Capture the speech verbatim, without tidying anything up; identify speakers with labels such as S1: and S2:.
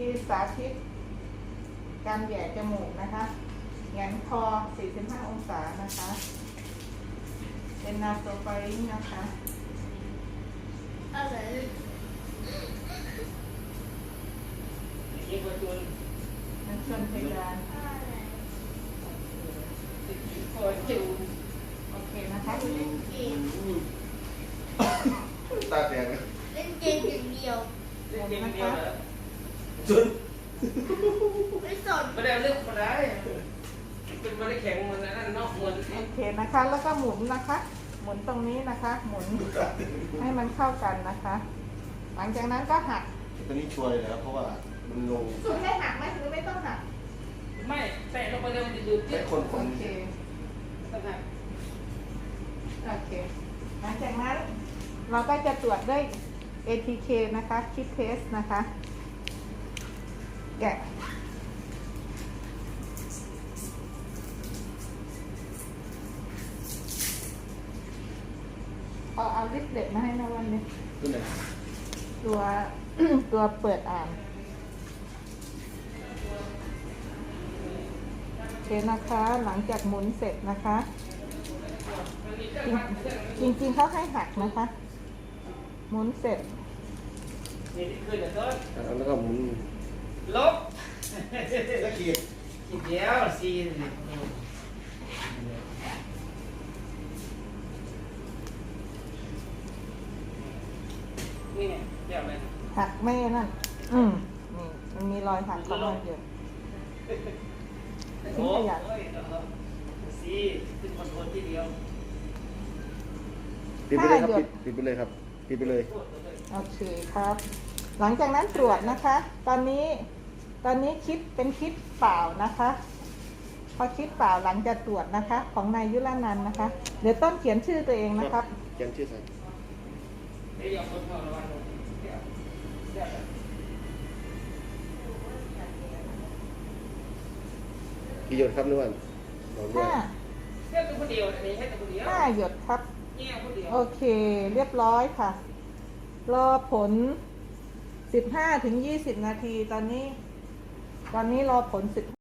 S1: ที่สาธิตการแหย่จมูกนะคะแหงนคอ สี่สิบห้า องศานะคะ เป็นนาโซไฟริงนะคะ
S2: อะไร
S3: ยิ่งกว่าจุน
S1: มันชนเพดาน
S2: อะไร
S3: กว่าจุน
S1: โอเคนะคะ
S2: เล่นเกม
S4: ตาแดง
S2: เล่นเกมอย่างเดียว
S3: เล่นเกมเดียวเหรอจุน
S2: ไม่สน
S3: ไม่ได้เรื่องคนร้ายเป็นไม่ได้แข็งเหมือนนั่นนอกเหมือน
S1: โอเคนะคะ แล้วก็หมุนนะคะ หมุนตรงนี้นะคะ หมุนให้มันเข้ากันนะคะ หลังจากนั้นก็หัก
S4: ตอนนี้ช่วยแล้วเพราะว่ามันลง
S1: สุดให้หักไหมหรือไม่ต้องหัก
S3: ไม่แตะลงไปเลยมันจะดูด
S4: ให้คนค
S1: โอน เค
S3: ต้องหัก
S1: โอเค หลังจากนั้นเราก็จะตรวจด้วย เอ ที เค นะคะ คิดเทสนะคะ แกะเอาเอาลิปเด็ดมาให้นะวันนี้
S4: ตัวไหน
S1: ตัว ตัวเปิดอ่านโอเคนะคะ หลังจากหมุนเสร็จนะคะ จริงจริงๆเขาให้หักนะคะ หมุนเสร็จ
S3: นี่คือเดี๋ยวต้น
S4: แล้วก็หมุน
S3: ลบ
S4: แล้วขีด
S3: ขีดเดียวสี่นี่เนี่ยเดี๋ยวไป
S1: หักไม่นั่น อืมนี่มันมีรอยหักของมันอยู่ ทิ้งขยะ
S3: สี่ขึ้นคอนโทรลที่เดียว
S4: ปิดไปเลยครับปิดปิดไปเลยครับปิดไปเลย
S1: โอเคครับ หลังจากนั้นตรวจนะคะ ตอนนี้ ตอนนี้คิดเป็นคิดเปล่านะคะ พอคิดเปล่าหลังจากตรวจนะคะ ของนายยุรนันท์นะคะ เดี๋ยวต้นเขียนชื่อตัวเองนะครับ
S4: เขียนชื่อใส่
S3: เดี๋ยวคนพอระวังเดี๋ยวเดี๋ยว
S4: กี่หยดครับนึกว่าบอกด้วย
S1: ห้า
S3: เดี๋ยวตัวคนเดียวอันนี้ให้ตัวคนเดียว
S1: ห้าหยดครับ
S3: เนี่ยคนเดียว
S1: โอเค เรียบร้อยค่ะ รอผล สิบห้าถึงยี่สิบ นาที ตอนนี้ ตอนนี้รอผลสิบ